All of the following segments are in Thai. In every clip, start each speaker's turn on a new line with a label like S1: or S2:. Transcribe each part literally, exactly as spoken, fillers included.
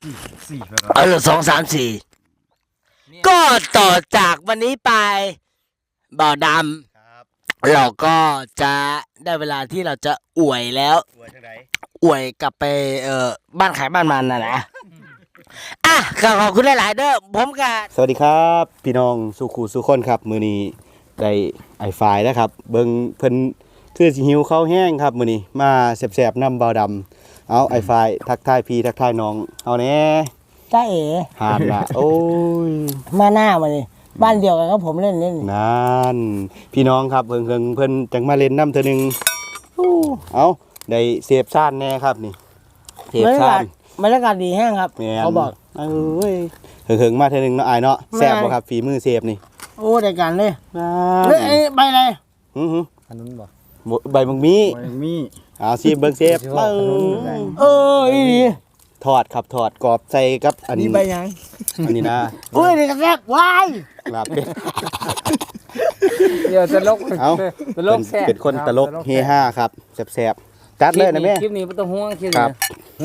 S1: สี่
S2: เออสองสามสี่ก็ต่อจากวันนี้ไปบ่อดำเราก็จะได้เวลาที่เราจะอวยแล้วอวยกลับไปเอ่อบ้านขายบ้านมันนะนะอ่ะขอบคุณหลายๆเด้อผมกับสวัสดีครับพี่น้องสุขูสุขคนครับมือนี้ได้ไอไฟแล้วครับเบิ้งเพิ่นคือสิหิวข้าวแห้งครับมือนี้มาแสบๆน้ำบ่อดำเอาไอไฟทักทายพี่ทักทายน้องเอาแน่จ้าเอ๋หานละโอ้ยมาหน้ามาเลยบ้านเดียวกันก็ผมเล่นเล่นนั่นพี่น้องครับเพิ่งเพิ่งเพิ่นจังมาเล่นน้ำเธอหนึ่งเอาได้เสพซ่านแน่ครับนี่เสพซ่านบรรยากาศดีแห้งครับเขาบอกเอ้ยเพิ่งๆมาเธอหนึ่งเนาะไอ้เนาะแซ่บบ่ครับฝีมือเสพนี่โอ้ได้กันเลยเฮ้ยใบอะไรอือหืออันนั้นบ่ใบมังมีใบมังมีเอาซีเบิ้งเสพเอออีทอดครับทอดกรอบใส่กับอันนี้ใบยังอันนี้นะอุ้ยนี่ก็แซ่บวายลาบเป็ดเดี๋ยวตลกเอาตลกแซ่บเป็นคนตลกเฮฮาครับแซ่บๆจัดเลยนะแม่
S3: คลิปนี้ไม่ต้องห่วงคลิป
S2: นี้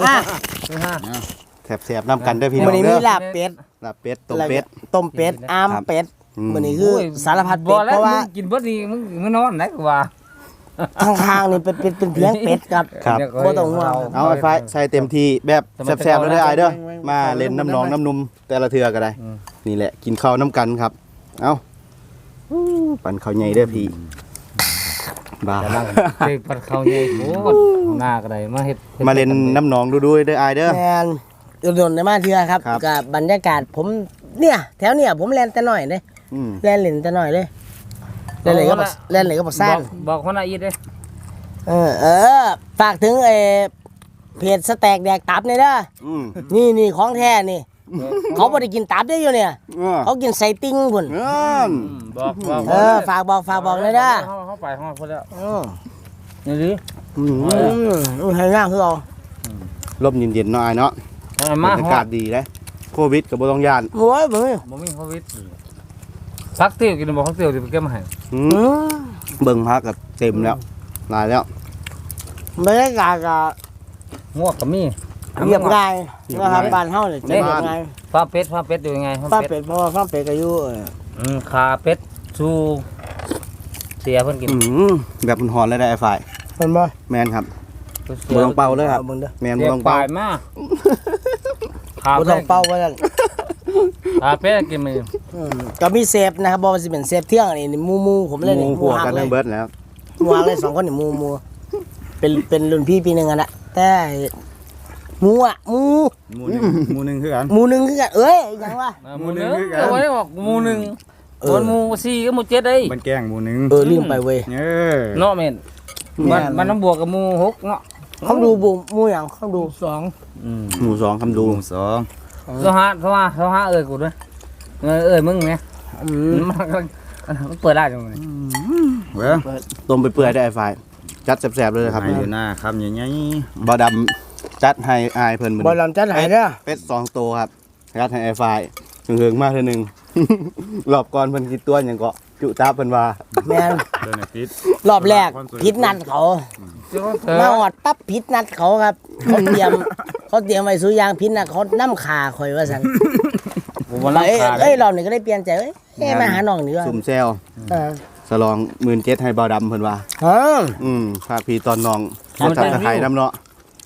S2: แซ่บๆนำกันด้วยพี่น้องเด้อวันนี้มีลาบเป็ดลาบเป็ดต้มเป็ดต้มเป็ดอ้ามเป็ดวันนี้คือสารพัดเป็ดเพราะว่า
S3: กินเบิดนี่มึงมึงนอนไหนกว่า
S2: ข้างๆนี่เป็นเป็นเป็นเพียงเป็ดครับครับบ่ต้องห่วงเอาไอ้ไฟใส่เต็มที่แบบแซ่บๆแล้วเด้อไอ้เด้อมาเล่นน้ำหนองน้ำนุ่มแต่ละเทื่อก็ได้นี่แหละกินข้าวน้ำกันครับเอาปั่นข้าวใหญ่เด้อพี่บ้า
S3: เด็กปั่นข้าวใหญ่โอ้หน้าก็ได้มาเฮ็ด
S2: มาเล่นน้ำหนองดูๆเด้อไอ้เด้อแม่นโดนๆได้มาเทื่อครับกับบรรยากาศผมเนี่ยแถวเนี่ยผมเล่นแต่น้อยเด้เล่นเล่นแต่น้อยเลยเล่นเลยก็เล่นเลยก็บอกสร้าง
S3: บอกคนละอีดเลย
S2: เออเออฝากถึงไอ้เพจสแต็กแดกตับนี่เด้อนี่นี่ของแท้นี่เขาไม่ได้กินตับได้อยู่เนี่ยเขากินไส้ติ่งพุ่น
S3: บอกบอก
S2: เออฝากบอกฝากบอกเลยเด้อ
S3: เขาไปเขาคนแล้วนี่ดิ
S2: อืมให้ง่ายคือเราลมเย็นๆหน่อยเนาะบรรยากาศดีเลยโควิดกับบ่ต้องยานโอ้ยบ่มี
S3: บ่มีโควิดพักเที่ยวกินบ่พักเที่ยวสิไปเก็บมาให้
S2: เบิ่งพักก็เต็มแล้วหลายแล้วบรรยากาศก็
S3: งวกก็มี
S2: เรียบง่ายนะครับบ้านเฮาเนี่ยจะเรียบง่าย
S3: ฟ้าเป็ดฟ้าเป็ดอยู่ยังไง
S2: ฟ้าเป็ดเพราะว่าฟ้าเป็ดก็อยู่
S3: อืมขาเป็ดชูเสียเพิ่นกิน
S2: แบบมันหอนเลยได้ไอ้ฝ่ายเห็นบ่แม่นครับบ่ต้องเป่าเลยครับแม่นบ่ต้องเป่า
S3: มา
S2: ขาบ่ต้องเป่าว่าซั่น
S3: ขาเป็ดกินมื้อ
S2: ก็มีเซฟนะครับบ่ว่าสิเป็นเซฟเที่ยงนี่หมู่ๆผมเล่นนี่หมู่กันทั้งเบิดแล้ววางเลยสองคนนี่หมู่ๆเป็นเป็นรุ่นพี่ปีนึงอ่ะนะแต่หมูอ่ะหมู
S1: หมูนึงหมูนึงคือกัน
S2: หมูนึงคือกันเอ้ยยังวะ
S3: หมูนึงเอาไว้บอกหมูนึงคนหมูสี่ก็หมูเจ็ดได้
S1: มันแกงหมูนึง
S2: เออลืมไปเว้ย
S1: เออ
S3: เนาะแม่นมันมันน้ำบวกกับหมูหกเนาะ
S2: เขาดูบุหมูอย่างเขาดูสองหมูสองคำดู
S1: สอง
S3: โซฮะโซฮะโซฮะเอ้ยกูด้วยเอ้ยเอ้ยมึงไงมันเปิดได้จังเลย
S1: เว้ย
S2: ต้มไปเปื่อยได้ไฟจัดแซ่บๆเลยครับ
S1: อยู่หน้าครับอย่างงี้
S2: บ่ดำจัดให้อายเพิ่นบ่ดำจัดให้เด้อเป็ดสองตัวครับจัดให้ไอ้ไฟเฮิงๆมากเท่านึงรอบก่อนเพิ่นกินตัวหยังก็จุตาเพิ่นว่าแม่นรอบแรกผิดนัดเขามาหอดปั๊บผิดนัดเขาครับเขาเตรียมเขาเตรียมไว้สุยางผิดนัดเขานำขาข่อยว่าซั่นเอ้ยเอ้ยรอบนี้ก็ได้เปลี่ยนใจเอ้ยแม่มาหาน้องนี่ว่าซุ่มแซวสลองหมื่นเจ็ดให้เบาดำเพิ่นว่าอืมพาพี่ตอนน้องเขาตัดตะไคร้น้ำเนาะ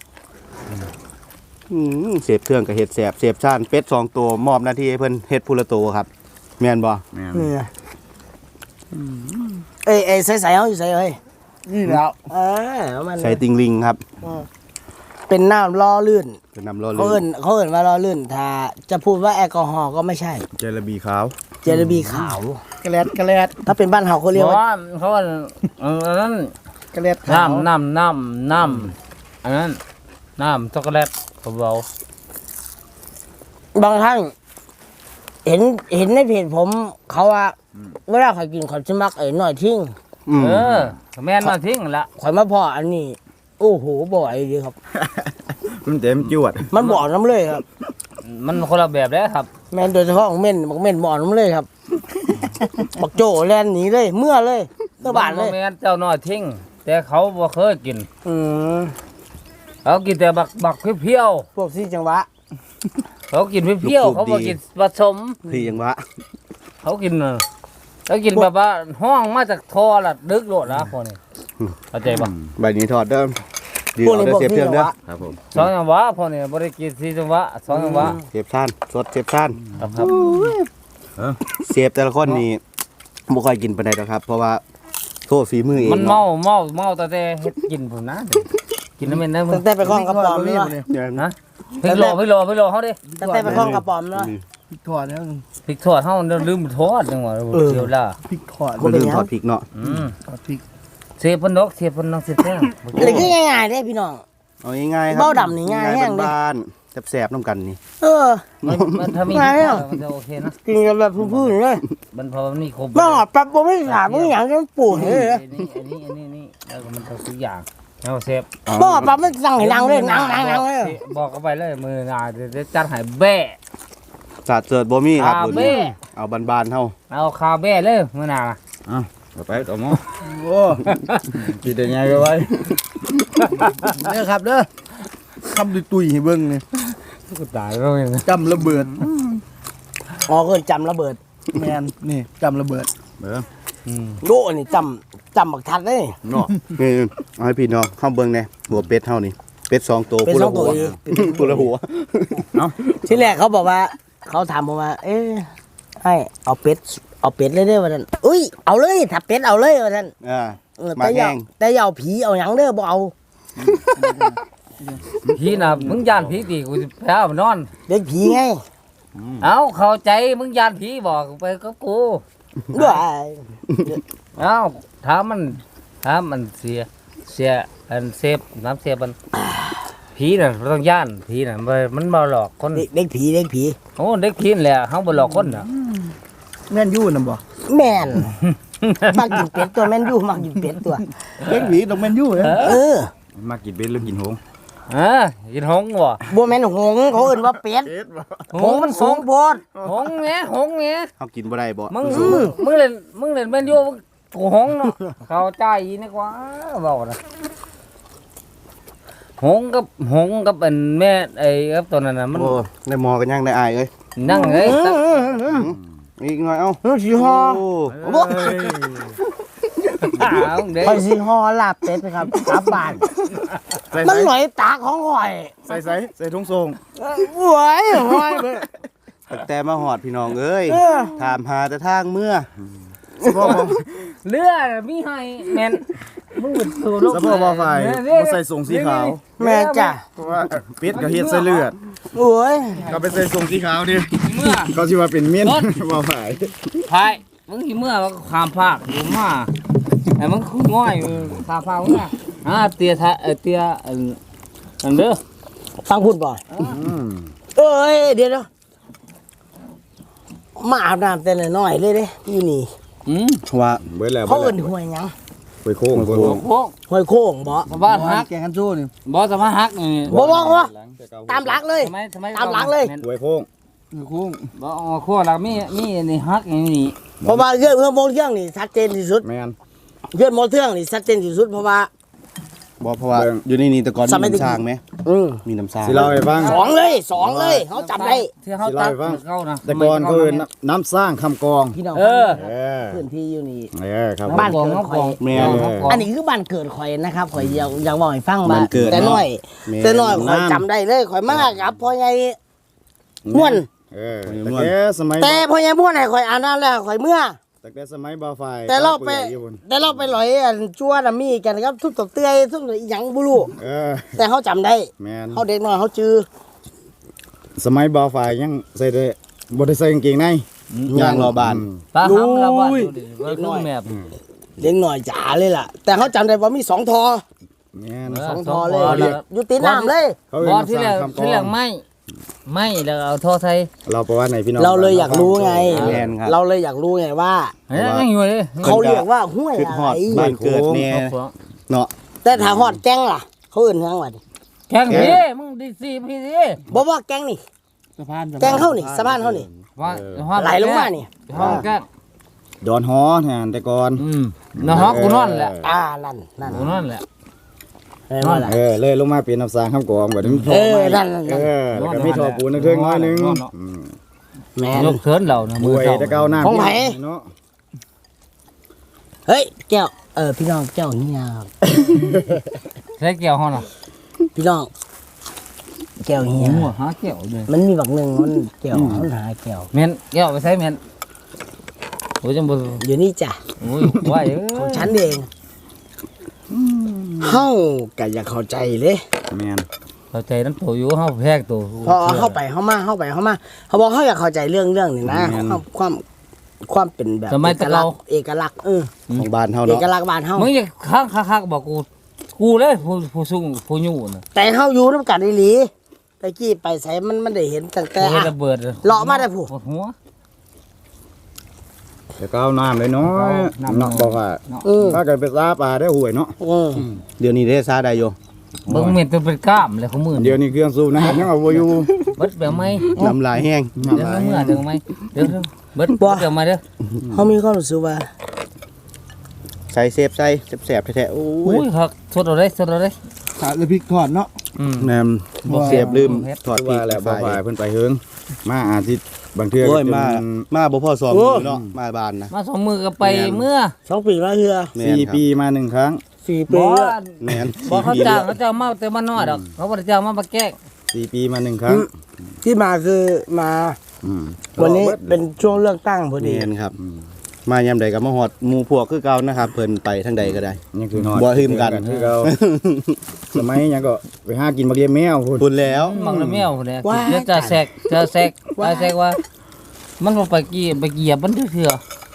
S2: เสพเครื่องกับเห็ดแสบเสพชาญเป็ดสองตัวมอบหน้าที่ให้เพิ่นเห็ดพูละตัวครับแม่นบ่
S1: แม่น
S2: เอ้ยเอ้ยใส่ใส่เขาอยู่ใส่เอ้ยนี่แล้วเออใส่ติงลิงครับเป็นน้ำล่อลื่นเป็นน้ำล่อลื่นเขาเอิ้นเขาเอิ้นว่าล่อลื่นถ้าจะพูดว่าแอลกอฮอล์ก็ไม่ใช่
S1: เจลาบีขาว
S2: เจลาบีขาวกระเลดกระเลดถ้าเป็นบ้านเฮาเขาเรียกว่า
S3: เขาว่าอันนั้น
S2: กระเลด
S3: น้ำน้ำน้ำน้ำอันนั้นน้ำช็อกโกแลตเบา
S2: บางครั้งเห็นเห็นในเพจผมเขาว่าเวลาใครกินขอชิมักไอ้หน่อยทิ้ง
S3: เออแม่นมาทิ้งละ
S2: ข่อยมาพออันนี้โอ้โหบ่อยดีครับ
S1: มันเต็มจวด
S2: มันบ่อน้ำเลยครับ
S3: มันคนละแบบเลยครับ
S2: แม่นโดยเฉพาะของเม่นบอกเม่นบ่อน้ำเลยครับบักโจแลนหนีเลยเมื่อเลยเมื่อบานเลย
S3: แม่นเจ้าน้อยทิ้งแต่เขาบ่เคยกิน
S2: อืม
S3: เขากินแต่บักบักเพี้ยว
S2: พวกที่จังหวะ
S3: เขากินเปรี้ยวๆเขาบ่กินผสม
S4: พี่ยังวะ
S3: เขากินน่ะแล้วกินแบบว่าห้องมาจากท่อละดึกโลดนะพวกนี้เข้าใจป่ะ
S4: ใบนี้ถอดเด้อดีเอาเด้อเสียบเทืองเด้อ
S1: ครับผม
S3: สองจังหวะพวกนี้บ่ได้กินสี่จังหวะสองจังหวะ
S4: เสียบซ่านสดเสียบซ่าน
S3: ครับครับ
S4: เสียบแต่ละคนนี่บ่ค่อยกินปานใดดอกครับ เพราะว่าโทษฝีมือเอง
S3: มันเมาเมาเมาแต่แต่เฮ็ดกินผมนะกินน้ำมันนะมึ
S5: ตั้
S3: ง
S5: งแต่ไปคล้องกระป๋อมเนาะ
S4: เนี่ย
S3: นะพริกโลพริกโลพริกโลเฮาดิ
S5: ตั้งแต่ไปคล้องกระป๋อมเนาะ
S6: ถอดแล้ว
S3: พริกทอดเฮาลืมทอดจังหวะเดี๋ยวล่ะ
S6: พริกถอด
S4: บ่ลืมถอดพริกเนาะ
S3: อืม
S6: ถอดพริก
S3: เสียบพนกเสียบพนกเสียบแท้ง
S5: อะไรก็ง่ายๆเด้พี่น้อง
S4: เอาง่ายๆครับ
S5: เบ้าดำนี่ง่ายแห้งเด้
S4: บ้านๆแซ่บๆน้ำกันนี่
S5: เออ
S3: มันมันถ้ามี
S5: ง่ายอ่ะ
S3: มันจะโอเคนะ
S5: กินกันแบบพื้นๆเลย
S3: มันพอมันมีครบ
S5: มาหอดปั๊บบ่ไม่ถามมึงหยังจะปวดเลย
S3: อันนี้อันนี้อันนี้นี่แล้วก็มันทุกอย่างเอาเซฟ
S5: บ่ปั๊บมันสั่งให้นั่งเลยนั่งนั่งนั่งเลย
S3: บอกเขาไปเลยมือหนาเดี๋ยวจะจัดให้แบ่
S4: สาดเสิร์ชบ่มีครับ
S3: คา
S4: รุ่น
S3: เบ้
S4: นี้เอาบานๆเฮา
S3: เอาคาแบ่เลยมือหนา
S1: อ้าวเอาไปต่อหมอโอ้กินได้ไงไปไว้
S6: เด้อครับเด้อคำตุยๆให้เบิ่งนี่
S3: กูตายแล้วเนี่ย
S6: จำระเบิด
S5: อ๋อเกินจำระเบิด
S6: แมนนี่จำระเบิด
S1: เบิ่ง
S5: โดนี่จำจำบักทัดเลย
S1: เนาะ
S4: นี่เอาให้พี่น้องเฮาเบิ่งแหน่หัวเป็ดเฮานี่เป็ดสองตัว
S5: เป็น
S4: ผู้
S5: สอ
S4: ละ
S5: งตั
S4: หั
S5: ว
S4: ว
S5: อีก
S4: ผู้ละหัว
S5: ที่แรกเขาบอกว่า เขาถามผมว่า เอ๊ะให้เอาเป็ดเอาเป็ดเลยเด้อว่าท่านอุ้ยเอาเลยถ้าเป็ดเอาเลยว่าท่าน
S4: อ่า
S5: เออ
S4: มา
S5: แต่อย่า
S4: แห้ง
S5: แต่อย่าเอาผีเอาหยังเด้อบ่เอา
S3: พี่น่ะมึงยานผีตีกูจะแพ้นอน
S5: เด็กผีไง
S3: เอาเข้าใจมึงยานผีบอกไปกับกู
S5: ด้วย
S3: เอาถามมันถามมันเสียเสียอันเซฟน้ำเสียมันผีน่ะบ่ต้องย่านผีน่ะมันมันบ่หลอกคน
S5: เด็กเด็กผีเด็กผี
S3: โอ้เด็กผีนั่นแหละเฮาบ่หลอกคนน่ะ
S6: แม่นยู่นำบ่
S5: แม่น มักกินเป็ดตัวแม่นอยู่มักกินเป็ดตัว
S6: เล็กหวีต้องแม่นยู่เด้อ
S5: เออ
S1: มากินเบ็ดหรือกินหงส์
S3: เออกินหงส์บ่
S5: บัวแม่นหงส์เขาเอื่นว่าเป็ดหงส์มันสูงโพด
S3: หงส์แหมหงส์แหม
S4: เฮากินบ่ได้บ่
S3: มึงมึงมึงเล่นมึงเล่นแม่นอยู่กูหงส์เนาะเข้าใจอีนี่กว่าบอกนะหงส์กับหงส์กับอันแม่ไอ้กับตัวนั้นน่ะมัน
S4: โอ้ได้หมอกันยังได้อายเอ้ย
S3: นั่งเอ้ยตัก
S4: อีกหน่อยเอ้า
S5: มันสีหอ
S4: โอ้
S5: บ่
S3: อ้าวเด้
S5: ไปสีหอลาบเป็ดครับกลับบ้าน
S1: ใส่
S5: มัน
S1: ใส่
S5: หน่อยตาของข่อย
S1: ใส่ใส่ใส่ถุงทรง
S5: เอ้ยหวยหวยเบิ่ง
S4: ตั้งแต่มาหอดพี่น้องเอ้ย
S5: เออ
S4: ถามหาแต่ทางเมื่อ
S1: สะโพกบ่
S3: เลือดมีให้แม่นมึงเป็นตัวโลก
S1: สะโพกบ่ไฟบ่ใส่ทรงสีขาว
S5: แม่จ้ะ
S1: เพราะว่าเป็ดก็เฮ็ดใส่เลือด
S5: โอ้ย
S1: ก็ไปใส่ทรงสีขาวดิ
S3: เมื่อ
S1: เขาสิว่าเป็นเมียนบ่ไฟ
S3: ไผ่มึงสิเมื่อมันก็ข้ามภาคอยู่มาไอ้มึงคือง่อยมึงข้ามภาคมึงอ่ะอ่าเตียทะเอ่อเตียอันอันเด้อ
S5: ฟังพูดบ่
S1: อืม
S5: เอ้ยเดี๋ยวเดี๋ยวมาอาบน้ำแต่น้อยๆเลยเด้อยู่นี่
S3: อืม
S4: ว่า
S1: เบิดแล้ว
S5: เขา
S1: เบิ
S5: เอิ้
S1: ด
S5: น
S1: แล้ว
S5: ห้วยหยัง
S1: ไปโค้งโค้ง
S3: โอ้
S5: ห้วยโค้งบ่
S3: สบ้านฮัก
S6: แกงกันสู้นี่
S3: บ่สบ้านฮักนี่
S5: บ่บ่บ่ตามหลักเลย
S3: ทำไมทำไม
S5: ตามหลังเลย
S1: หวยโค้ง
S6: คือคุ้ง
S3: บ่อ๋อขั้วหลักมีมีนี่ฮักนี่นี่
S5: เพราะว่าเรื่องเรื่องโมเทืองนี่ชัดเจนที่สุด
S1: แม่น
S5: เรื่องโมเทืองนี่ชัดเจนที่สุดเพราะว่า
S4: บ่เพราะว่า
S1: เบิ่ง
S4: อยู่ในนี้แต่ก่อน
S5: ส
S4: มี
S5: มัย
S4: น้ำสร้างไหม
S5: อืม
S4: มีน้ำสร้าง
S1: สิเล่าให้ฟัง
S5: สองเลยสองเลยเขาจำได้
S3: ที่เขา
S1: สิ
S3: ตั
S1: เล่า
S3: ด
S1: ให้ฟัง
S3: เขานะ
S1: แต่ก่อนคือน้ำสร้างคำกอง
S5: พี่น้อง
S3: เออ
S1: เออ
S5: พื้นที่อยู่นี่
S1: เออครับ
S5: บ้าน
S3: กองเขากอง
S4: แม่
S3: กอง
S4: เลย
S3: เขากอง
S5: อันนี้คือบ้านเกิดข่อยนะครับข่อยอยากอยากบอกให้ฟัง
S4: บ้านเกิด
S5: แต่น้อย
S4: แม่
S5: แต่น้อยข่อยจำได้เลยข่อยมากครับพ่อใหญ่ม่วน
S1: เออแต่แกสมัย
S5: แต่พ่อใหญ่ม่วนให้ข่อยอ่านน้ำแล้วข่อยเมื่อ
S1: แต่แกสมัยบ่าวไฟ
S5: แต่เราไป
S1: ปื่อยอยู่บน
S5: แต่เราไปลอยอันจั่วน่ะมีกันครับทุบตบเตื้อยทุบอีหยังบ่รู้
S1: เออ
S5: แต่เขาจำได้
S1: แม่น
S5: เขาเด็กน้อยเขาจื้อ
S1: สมัยบ่าวไฟยังใส่ได้บ่ได้ใส่กางเกงใน
S4: ย่างรอบาน
S3: ตาหำละบ้านดูดิว่าคือแมบ
S5: เด็กน้อยจ๋าเลยล่ะ แต่เขาจำได้ว่ามีสองทอ
S1: แม่น
S5: สองทอเลย
S3: สองทอแล้ว
S5: อยู่ตีนน้ำเลย
S1: เขา
S3: บ
S1: เรีย
S3: อก ที่แรก
S1: น้ำสร้างคำก
S3: ที่
S1: อ
S3: แรก
S1: ง
S3: ไม่ไม่แล้วเอาโทรไทย
S1: เราประวัติในพี่น้อง
S5: เราเลยอยากรู้ไง
S4: แม่นครับ
S5: เราเลยอยากรู้ไงว่า
S3: เฮ้ยยังอยู่เลย
S5: เขาเรียกว่าห้วย
S4: ขึ้น
S5: อะ
S4: ฮ
S5: ไร
S4: อดบ้านเกิดแน่
S3: เอาของ
S4: เนาะ
S5: แต่ถ้าฮอดแกงล่ะ เขาอื่นทางวัด
S3: แข่งพี่มึงดีซีพี่ดิ
S5: บอกว่าแกงนี่
S6: สะพาน
S5: แกงเข้านี่สะพานเข้านี่
S3: ว่าว่า
S5: ไหลลงมานี่
S3: ห้องแกง
S1: ดอนฮอแทนแต่ก่อน
S3: อืมนะฮะกูนอนแหละ
S5: อ่านั่นนั่น
S3: กูนอนแหละ
S5: แม่นว่าล่ะ
S1: เออเลยลงมาเปลี่ยนน้ำสางข้ามกองแบบนี้มัน
S5: เออ
S1: ไม้
S5: นั่นนั่น
S1: เออแล้วก็มีท่อปูนนึงๆน้อยหนึงอืม
S5: แม่น
S3: ยกเขินเรานะ
S1: บ
S3: มือ
S1: วย
S3: เจ้า
S1: แตะเกาน้ำ
S5: ของไผ
S1: เนาะ
S5: เฮ้ยแก้วเออพี่น้องแก้วเฮียครับ
S3: ใช้แก้วเฮาน่ะ
S5: พี่น้องแก้วเฮีย
S3: หัวหาแก้วเลย
S5: มันมีบักหนึ่งมันแก้วมันหาแก้ว
S3: แม่นแก้วไปใช้แม่นโอ้ยจังบ่
S5: เดี๋ยวนี้จ้ะ
S3: โอ้ยว่าเอ้
S5: ของ
S3: ย
S5: ฉันเองเฮาก็อยากเข้าใจเลย
S1: แม่น
S3: เข้าใจนั้นตัวอยู่เฮาแพกตัว
S5: พอเข้าไปเข้ามาเข้าไปเข้ามาเขาบอกเขาอยากเข้าใจเรื่องเรื่องนี่นะความความความเป็นแบบ
S3: สมัยตะ
S5: เอกลั
S3: เกาก
S5: ษณ์เอกลักษณ์เออ
S4: ของบ้านเฮา
S5: เอ
S4: เนาะ
S5: กลักษณ์บ้านเฮา
S3: มึงอย่าค้างคักๆบอกกูกูเลยผู้ผู้สูงผู้อยู่น่ะ
S5: แต่เฮาอยู่นำกันอีหลีตะกี้ไปใส่มันมันได้เห็นตั้งแต่
S3: เฮ็ด
S5: อะ
S3: ระเบิด
S5: เลาะมาได้ผู้
S3: ปวดหัว
S1: แตะเกาน้ำเลยเนาะ
S3: น้ำ
S1: เนาะบอกว่า
S5: เออ
S1: ถ้าเกิดไปซาปลาได้ห่วยเนาะ
S5: เออ
S4: เดี๋ยวนี้ได้ซาได้อยู่
S3: เบิ่งเม็ดตัวเป็นกล้ามเลยของมือ
S1: เดี๋ยวนี้เครื่องสูบน้ำยังเอาบ่อยู่
S3: เบิดแบบไหม
S4: น้ำลายแห้ง
S3: เดี๋ยวเมื่อเดี๋ยวไหมเดี๋ยวเบิดเบิดเดี๋ยวมาเด้อ
S5: เฮามีความรู้สึกว่า
S4: ใส่เซฟใส่แสบๆแท้ๆโอ้
S3: อุ้
S4: ย
S3: ยครับสดเอาได้สดเอาได้
S6: ขาดเลยพริกทอดเนาะ
S3: อืม
S4: แม่นเสียบลืมถอด
S1: คือ
S4: พริ
S1: ว่าก แหละ
S4: ไฟ
S1: บ่ฝ่ายเพิ่นไปเฮิงมาอาทิตย์บางเทื่อ
S4: โอ้ย
S1: ก็จน
S4: มามาบ่พอสองมือเนาะมาบ้านนะ
S3: มาสองมือก็ไปเมื่อ
S5: สองปีมาเฮือ
S4: แม่น
S1: สี่
S4: ครับ
S1: ปีมาหนึ่งครั้ง
S5: สี่
S3: บ
S5: ปี
S3: อ
S5: แล้ว
S4: แม่น
S3: บอกเขา
S4: สี่ปี
S3: จ้าง
S4: แล้ว
S3: เขาจ้างมาแต่มาน้อยดอกเขาบ่ได้จ้างมามาแกล้ง
S1: สี่ปีมาหนึ่งครั้ง
S5: ที่มาคือมา
S1: อืม
S5: วันนี้เป็นช่วงเลือกตั้งพอดี
S4: แม่นครับ มายามใดก็มาฮอดหมู่พวกคือเก่านะครับเพิ่นไปทางใดก็ได้
S1: นี่คือนอน
S4: บ่ลืมกัน
S1: คือเราสมัยยังก็ไปหากินบักเลียมแมวพุ่น
S4: พุ่นแล้ว
S3: มังละแมวเนี่ยเดี๋ยวจะแซกจะแซกจะแซกว่า มันบ่ไปกี่ไปเหยียบมันเถื่อ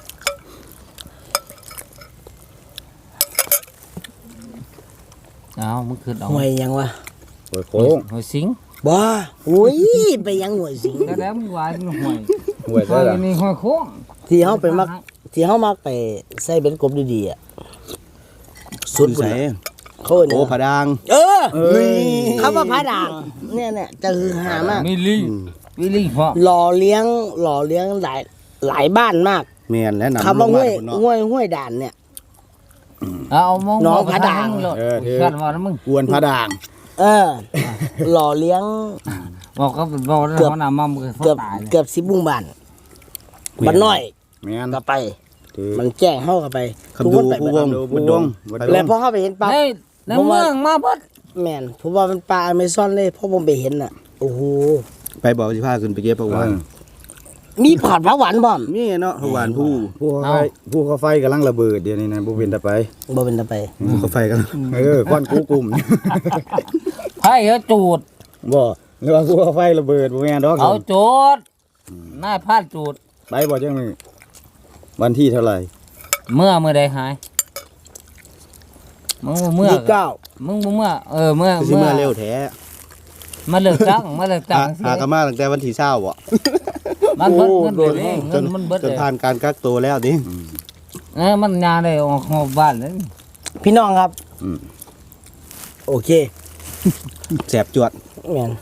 S3: เอามึงขึ้นเอา
S5: ห่วยยังวะ
S1: โอ้ยโค้ง
S3: หอยสิง
S5: บ้าอุ้ยไปยังห่วยสิง
S3: ก็แล้วมึงวายมึงหอย
S1: ห่วย
S3: ห
S1: ได้
S3: อย
S1: ล่ะ
S3: นี่หอยโค้ง
S5: ที่เฮาไปมักที่เฮามักไปใส่เป็นกบดีๆอ่ะสุด
S4: อยู่
S5: พุ่น
S4: ไส
S5: น่ะเขาเอิ้น
S4: โอ้
S5: หยัง
S4: ผาดาง
S5: เออ
S1: เอ้ย
S5: คำว่าพระด่างเนี่ยเนี่ยจะคือหามาก
S3: มิลลี่มิลลี่พ่อ
S5: หล่อเลี้ยงหล่อเลี้ยงหลายหลายบ้านมาก
S4: แม่นและนำ
S5: คำว่า
S4: ลง
S5: ห้
S4: มา
S5: วย
S4: พุ่นเนาะ
S5: ห้วยห้วยด่านเนี่ย
S3: เอามอง
S5: น้องผาด่าง
S3: เออกันว่านะมึง
S1: กวนพระด่าง
S5: เออ หล่อเลี้ยง
S3: บอกก็บอกแล้วเขาหน้ามั่มเขา
S5: เกือบ
S3: ตายเลย
S5: เกือบสิบบุ้งบ้านบ้านน้อย
S1: แม่น
S5: ก็ไป
S1: ถือ
S5: มันแจ้งเข้ากันไป
S4: คำดู
S5: ไป
S4: ผู้
S5: เบิ
S4: ว
S5: ด
S4: ง
S1: ดู
S4: บัด
S1: ว
S4: ด
S1: ง
S4: ง
S1: บัด
S4: ไป
S1: ด
S5: แล้ว
S1: ง
S5: พอเข้าไปเห็นปั๊บ
S3: ในในเมืองมาเบิด
S5: แม่นผมว่าเป็นปลาอเมซอนเลยเพราะผมไปเห็นน่ะโอ้โห
S4: ไปบอกสิพาขึ้นไปเก็บผักหวาน
S5: มีผัดผักหวานบ่อม
S4: นี่เนาะผักหวานผู้
S1: ผู้เขาไฟผู้เขาไฟกำลังระเบิดเดี๋ยวนี้นะบ่เป็นตะไป
S5: บ่เป็นตะไป
S4: ผู้ก็ไฟกัน
S1: เออควันกูกลุ่ม
S3: ไผ่เขาจูด
S1: บ่หรือว่าผู้เขาไฟระเบิดบ่แม่นดอก
S3: เอาจูดนายพลาดจูด
S1: ไปบ่จังนึงวันที่เท่าไหร่
S3: เมื่อเมื่อใดหายมึงบ่เมื่อ
S5: ยี่สิบเก้า
S3: มึงบ่เมื่อเออเมื่อ
S4: คือสิมาเร็วแท้
S3: มาเลิกจ้างมาเลิกจ้างสิ
S4: หากนมาตั้งแต่วันที่เช้าบ่
S3: มันเบิดเงินเลย
S4: จ
S3: เงิ
S4: น
S3: นมันเบิด
S4: จน
S3: เลย
S4: ผ่านการกักตัวแล้วดิ
S3: เออมันยาได้ออกนอกบ้านเลย
S5: พี่น้องครับ
S1: อืม
S5: โอเค
S4: แสบจวด
S5: แม่น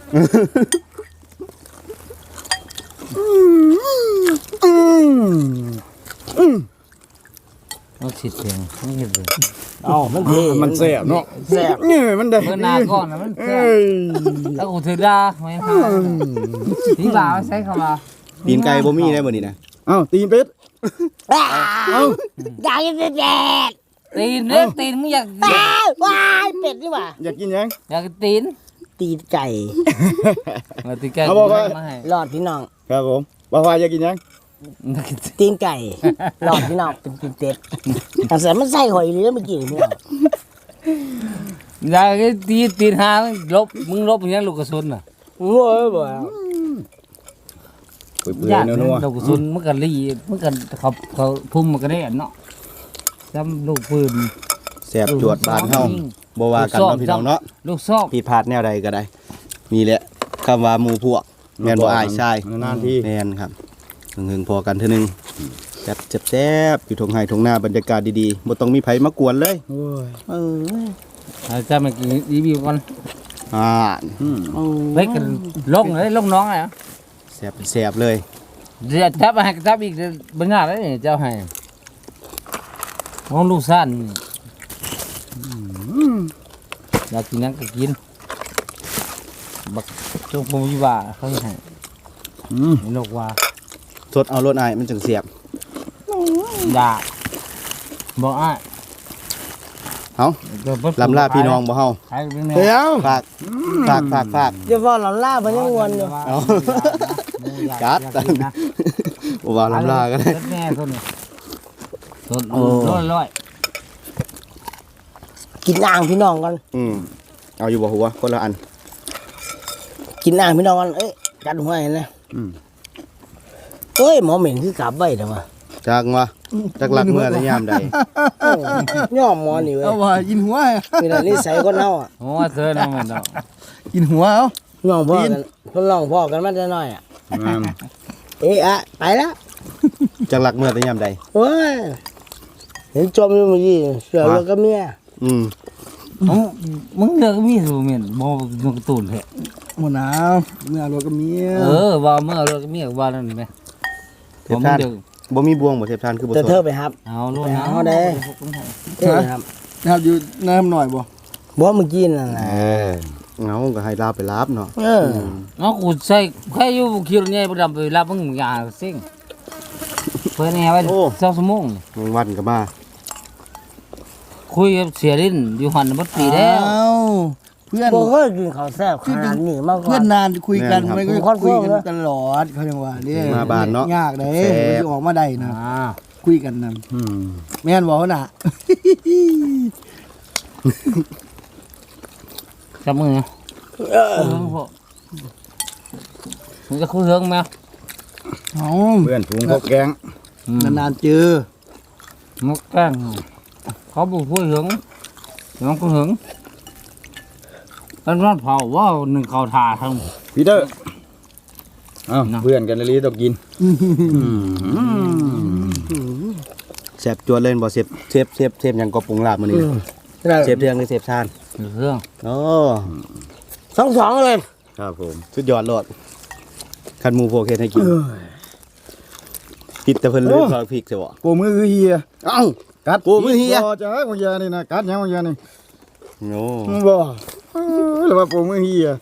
S3: มันสิเสียงมันเห็นเลย
S5: เอ้ามันเท่
S1: มันแซ่บเนาะ
S5: แซ่บ
S1: นี่มันได้
S3: เมื่อหนาก่อนนะมันแซ่
S1: เอ้
S3: บ
S1: ย
S3: แล้วกูถือดาไม่ให้ที่บ่าวใช้คำว่า
S4: ปีนไก่บ่มีได้บ่นี่นะ
S1: เอ้าตีนเป็ด
S5: อ้าวอยากกินเป็ด
S3: ตีนเรื่องตีนมึงอยาก
S5: อ้าวว้ายเป็ดนี่หว่า
S1: อยากกินยัง
S3: อยากตีน
S5: ตีนไก่
S3: มาตีนไก่
S1: เอาบอกว่า
S3: มาให้
S5: รอดพี่น้อง
S1: ครับผมบ่าวอยากกินยัง
S5: ตีนไก่รอดพี่น้องเป็นตีนเป็ดแต่ใส่มันใส่หอยเลยแล้วมันกินพี่น้อง
S3: อยากตีตีนหาลบมึงลบอย่างลูกกระสุนน่ะ
S5: โง่เลยบ่
S1: เปื่อย
S3: ญาติ
S1: ๆนัว
S3: ลูกกระสุนมันก็รีมันก็เขาเขาทุ่มมันก็ได้เนาะจำลูกปืน
S4: แสบจวดบ้านเฮาบ่ว่ากันเนาะพี่น้องเนาะ
S3: ลูกซอก
S4: ผิดพลาดแนวใดก็ได้นี่แหละคำว่าหมู่พวกแม่นบ่อายใช่
S1: นานๆที่
S4: แม่นครับหึงๆพอกันเทื่อนึงจับแซ่บๆอยู่ทงไห้ทงหน้าบรรยากาศดีๆบ่ต้องมีไผมากวนเลย
S1: โอ้ย
S5: เออ
S3: อาจารย์มากินรีวิวก่อน
S4: อ่า
S1: อืม
S3: เฮ้ยกันลงเลยลงน้องไง
S4: แซ่บเป็นแซ่บเลย
S3: เดี๋ยวจับให้จับอีกเป็นงานแล้วนี่เจ้าให้ของลูกสั้นอยากกินหยังก็กินบักจงบ่มีว่าเขาให้
S1: อืม
S3: นกว่า
S4: สดเอารถอ้ายมันจังเสียบ
S3: ด่าบอกอ้าย
S4: เฮาลำลาพี่น้องบ่เฮา
S3: ใครเป็นแม่
S1: เดี๋ยว
S4: ฝากฝากฝากฝาก
S5: เดี๋ยวพอเราล่าเพิ่นยังวนอยู่
S4: เอาจัดบ่ว่าลำลาก็ได้
S3: แม่คนนี้สดร้อยร้อย
S5: กินอ่างพี่น้องกัน
S4: อืมเอาอยู่บ่หัวคนละอัน
S5: กินอ่างพี่น้องกันเอ้ยกัดหัวเห็นนะ
S1: อืม
S5: เอ้ยหมอเหม็นคือกลับไว้เด้อว่ะ
S4: จักว่าจักหลักเมื่อและยามใด
S5: โอ้ย่อมหมอนี่เว้ย
S6: เอาว่ากินหัว
S5: มีแต่นิสัยคนเฮาอ่ะ
S3: โอ้เธอน้องมันดอก
S6: กินหัวเอา
S5: ย่องพ่อกันคนร้องพ่อกันมาแต่น้อยอ่ะ
S1: งาม
S5: เอ้ยอะไปแล้ว
S4: จักหลักเมื่อและยามใด
S5: โอ้ยเห็นจมอยู่เมื่อกี้เสือแล้วก็เมีย
S4: อืม
S3: มึงมึงเลือกมีสูเหม็นบ่นกตูนแท้
S6: หมดน้ำเมื่อรถก็มี
S3: เออว่าเมื่อเลือกมีว่านั่นไหม
S4: เท
S3: ผม
S4: พท่าน
S3: เดือ
S4: บ่มีบวงบ่เทพท่านคือบ่
S5: แต่
S4: ส
S5: เธอ
S4: ด
S5: ไปครับ
S3: เอาลูก
S5: ไป
S3: นะ
S5: เอาเด้ เอ้ยครับ
S6: นะครับอยู่น้ำหน่อยบ่
S5: บ่เมื่อกี้นั่นแหละ
S4: เออเงาก็ให้ลาไปรับเนาะ
S5: เออ
S3: เอากูใส่แค่อยู่คิวเนี่ยบ่ดำไปรับมึงอย่าซิ่งเพิ่นแน่ไว้สองชั่วโมง
S4: แมงวันก็มา
S3: คุยกับเสียดินอยู่หันบัดปีแล้ว
S6: อ้าวเพื่อน
S5: บ่เคยกินข้าวแซ่บขนาดนี้มาก่อ
S6: เพื่อน
S5: น
S6: นานคุยกันมันก็
S5: ผมคอนเฟิ
S6: คุย
S5: ร์ม
S6: กัน
S5: นะ
S6: ตลอดเขาจังว่าเนี่ย
S4: มาบ้านเนาะ
S6: ยากเด้
S4: แซ่บ
S6: มันสิออกมาได้นะ
S3: อ่า
S6: คุยกันนั่น
S1: อืม
S6: แม่นบ่น่ะ
S3: จับมือนะ
S5: เออ
S3: คุยเฮิงพอมึงจะคุยเฮิงไหม
S6: เอา
S1: เพื่อนถุงพกแกง
S6: นานๆเจอ
S3: มึกแกล้งเขาบอกคุยเฮิงน้องคุยเฮิงอันนั้นเผาว่าหนึ่งเขาทาทั้ง
S1: พีเตอร์เอ้า
S3: เนาะ
S1: เพื่อนกันเลยต้องกิน
S4: แซ่บจวนเล่นบ่เซฟเซฟเซฟเซฟหยังก็ปรุงลาบมื้อนี้นะเซฟเรื่องหรือเซฟชาน
S3: เรื่อง
S4: โอ้
S5: สองสองเลย
S4: ครับผมสุดยอดโลดคันหมูโพกเฮ็ดให้กินผิดแต่เพิ่นลืมซอยพริกใช่บ่
S1: โปมือคือเฮีย
S4: เอ้า
S1: กัด
S4: โปมือเฮีย
S1: บ่จ้าของเฮียนี่นะกัดหยังของเฮียนี่
S4: โอ้
S1: บ่เออหรือว่าโปมือเฮีย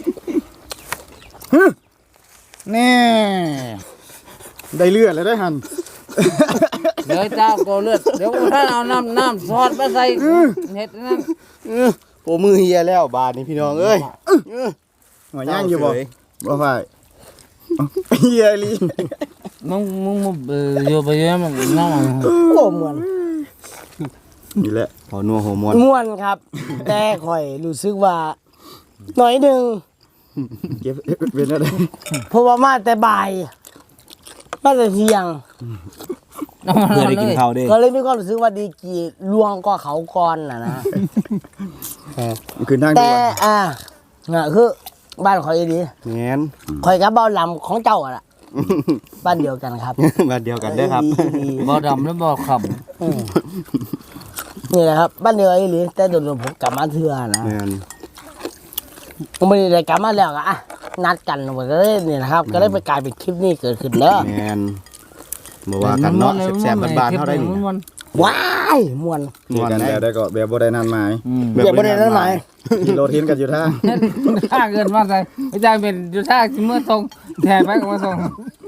S1: ฮึแน่ได้เลือดแล้วได้หัน
S3: เดี๋ยวเจ้าโกเลือดเดี๋ยวท่านเอาน้ำน้ำซอสมาใส่เห็ดนั่น
S4: โปมือเฮียแล้วบาดนี้พี่น้องเอ้ย
S1: หัวย่างอยู่บ่
S4: เศร้าเฉย
S1: บ่ฝ่ายเฮียลี
S3: มึงมึงมึงเอออยู่ไปเยอะมันน้ำมัน
S5: โอ้ม่วน
S1: นี่แหละ
S4: พอนัวหัวมวน
S5: ม่วนครับ แต่ข่อยรู้สึกว่าหน่อยหนึง
S1: เก็บเป็นอะไร
S5: เพราะว่ามาแต่บ่ายมาแต่เที่ยง
S3: น้ำมัน
S4: เพื่อได้กินข้าวเด้
S5: ก็เลยมีความรู้สึกว่าดีกีลวงก็เขาก่อนน่ะนะ
S1: มันคือนั่งดู
S5: แต่
S1: ว่า
S5: อ่าน่ะคือบ้านข่อยดี
S4: แม่น
S5: ข่อยกับเบาลำของเจ้าอ่ะล่ะบ้านเดียวกันครับ
S4: บ้านเดียวกันเด้อครับ
S5: ดี
S3: บ่ดำแล้วบ่ข
S5: ๆอืมนี่แหละครับบ้านเดียวกันอีหลีแต่โดนๆผมกลับมาเทื่อนะ
S4: แม่น
S5: ผมไม่ได้กลับมาแล้วก็อ่ะนัดกันก็เลยนี่นะครับ ก็เลยไปกลายเป็นคลิปนี้เกิดขึ้นแล้ว
S4: แม่นบ่
S3: ำ
S4: ว่ากันเนาะแซ่บๆบ้านๆเฮาได้นี่
S3: มัน
S5: ว้ายม่วน
S1: มีกันแล้วได้ก็แบบบ่ได้นัดหมาย
S3: อืม
S5: อย่าบ่ได้นั่นหมาย
S1: ขี่รถเห็นกันอยู่ท่า
S3: ถ้าเกินมาใส่ไม่ได้เป็นอยู่ท่าเมื่อตรงแทนไปก็มาส่ง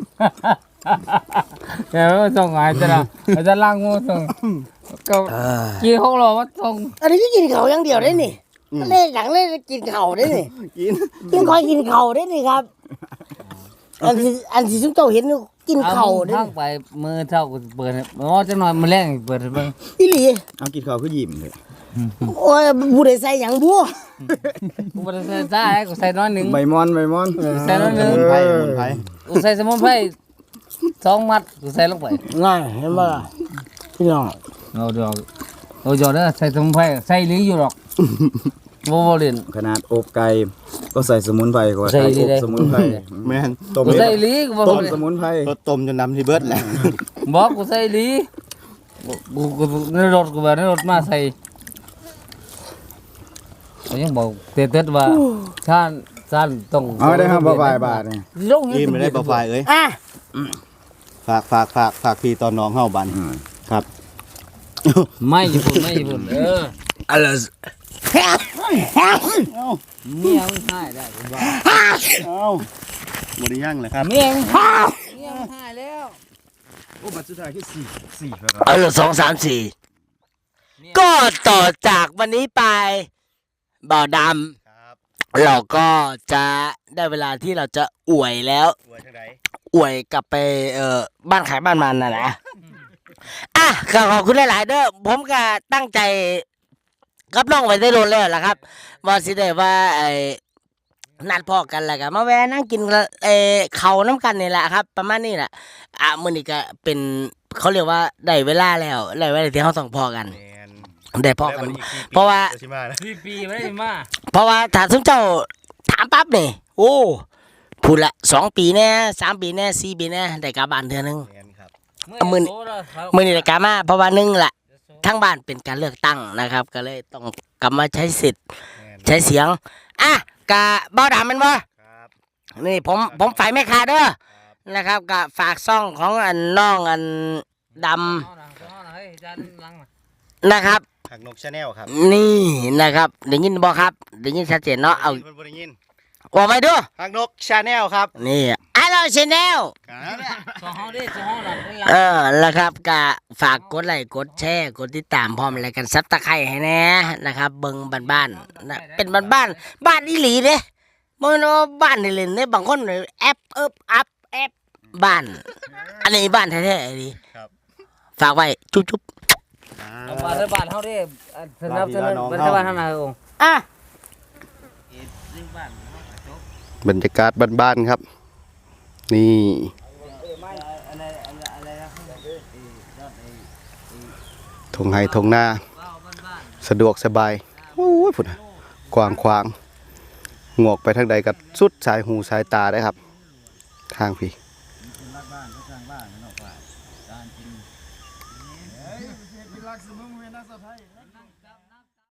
S3: แทนมาส่งหายจะละอาจจะล่างมาส่งก็กี่หกโลมาส่ง
S5: อันนี้ก็กินเขาวอย่างเดียวได้นี่เล่นหลังเล่นกินเขาวได้นี่
S4: กิน
S5: กินคอยกินเขาวได้นี่ครับ อันที่อันที่ซุมเจ้าเห็นนี่กินเขาวได้
S3: ทาง
S5: นี่
S3: ไปมือเท่าเปิดอ๋อจะหน่อยมือแรงเปิดเบิ่ง
S5: อีหลี
S1: เอากินข้าวคือยิ้มเลย
S5: โอ้ยผู้ใดใส่หยังบัว
S3: กูบ่ได้ใส่ซ่าให้กูใส่น้อยหนึง
S1: ใบมอนใบมอน
S3: ใส่น้อยหนึง
S4: สมุนไพรสมุนไพร
S3: กูใส่สมุนไพรสองมัดกูใส่ลงไป
S5: ง่ายเห็นบ่ล่ะพี่น้อง
S3: เอาดอกเอาดอกเด้อใส่สมุนไพรใส่หรืออยู่หรอกบ่บ่เล่น
S1: ขนาดอบไก่ก็ใส่สมุนไพรก่อน
S3: ใส่
S1: ไก่
S3: ดี
S1: อบ
S3: เลย
S1: สมุนไพร
S4: แม่น
S1: ต้ม
S3: กูใส่หรือกูบ่
S1: ต้ม
S3: เล่น
S1: สมุนไพร
S4: รสต้มจนน้ำที่เบิดแหละ
S3: บอกกูใส่หรือกูกูในรถกูแบบในรถมาใส่เขายังบอกเต็ดๆว่าท่านท่านต้อง
S1: เอาได้ครับบ่บายบาทนี่
S5: ลง
S4: อิ่มไม่ได้บ่ฝ่ายเอ้ย
S5: อ่ะ
S4: ฝากฝากฝากฝากพี่ตอนน้องเฮาบัดนครับ
S3: ไม่ญี่ปุ่นไม่ญี่ปุ่นเออ
S5: อะไร
S3: เมียมึงหายได้ผมว่า
S4: เอ้าบ่ได้ยั่งเลยครับ
S3: เมียมึงหายเมียมึงหายแล้ว
S1: โอ้บัตรสุดท้ายคือสี่สี่ครับ
S2: เออสองสามสี่ก็ต่อจากวันนี้ไปบ่าวด
S4: ครับ
S2: ำเราก็จะได้เวลาที่เราจะอวยแล้ว
S4: อวยทางใด
S2: อวยกลับไปเอ่อบ้านขายบ้านมันนะนะอ่ะก็ขอบคุณหลาย ๆ เด้อผมก็ตั้งใจกับน้องไว้ได้โดนแล้วล่ะครับว่าสิได้ว่าไอ้นัดพอกันแล้วก็มาแวะนั่งกินเอ่อเขาวน้ำกันนี่แหละครับ ประมาณนี้แหละอ่ะมื้อนี้ก็เป็นเขาเรียกว่าได้เวลาแล้วได้เวลาที่เราต้องพอกัน
S4: แม่น
S2: ได้พอกัน
S4: แล้ววันนี้กี่ปี
S2: เพราะว่า
S4: สิมานะ
S3: พี่ปีไม่ได้มา
S2: เพราะว่าถ้าสมเจ้าถามปั๊บนี่โอ้พูดละสองปีแน่สามปีแน่สี่ปีแน่ได้กลับบ้านเทื่อนึง
S4: แม่นครับ
S2: เอามือนี่ มื่อนี้ได้กลับมาเพราะว่าหนึงละทั้งบ้านเป็นการเลือกตั้งนะครับ ก็เลยต้องกลับมาใช้สิทธิ์
S4: แม่น
S2: ใช้เสียงอ่ะกะบ่ดามันบ่
S4: ครับ
S2: นี่ผมผมฝ่ายแม่ค้าเด้อ
S4: ครับ
S2: นะครับกะฝากซ่องของอันน้องอันดำนะครับ
S4: หักนกชาแนลครับ
S2: นี่นะครับได้ยินบ่ครับได้ยินชัดเจนเนาะเอา
S4: พิ่นบ่ได้ยิน
S2: ว่าไปดู
S4: หักนกชาแนลครับ
S2: นี่ฮัลโหลชแนล
S4: ครับ
S3: สองห้องดิสองห้องหลังเป็นหลัง
S2: เออแล้วครับก็ฝากกดไลค์กดแชร์กดติดตามพร้อมอะไรกันซับตะไคร้ให้แน่นะครับเบิ่งบ้านๆนะเป็นบ้านบ้านๆบ้านอีหลีเด้บ่แม่นว่าบ้านนี่เล่นเด้บางคนแอปเอิบอัพแอปบ้าน อันนี้บ้านแท้ๆอันนี้
S4: ครับ
S2: ฝากไว้จุ๊บ
S3: เอาบ้านเทศบาลเขาดิสนับสนุนบ้านเทศบาลเท่าไหร่องค์
S2: ๆอ่ะ
S4: บรรยากาศบ้านๆครับ นี่ทงไฮทงหน้า สะดวกสบายโอ้ยพุ่นน่ะกว้างขวางงอกไปทางใดก็สุดสายหูสายตาได้ครับ ทางพี่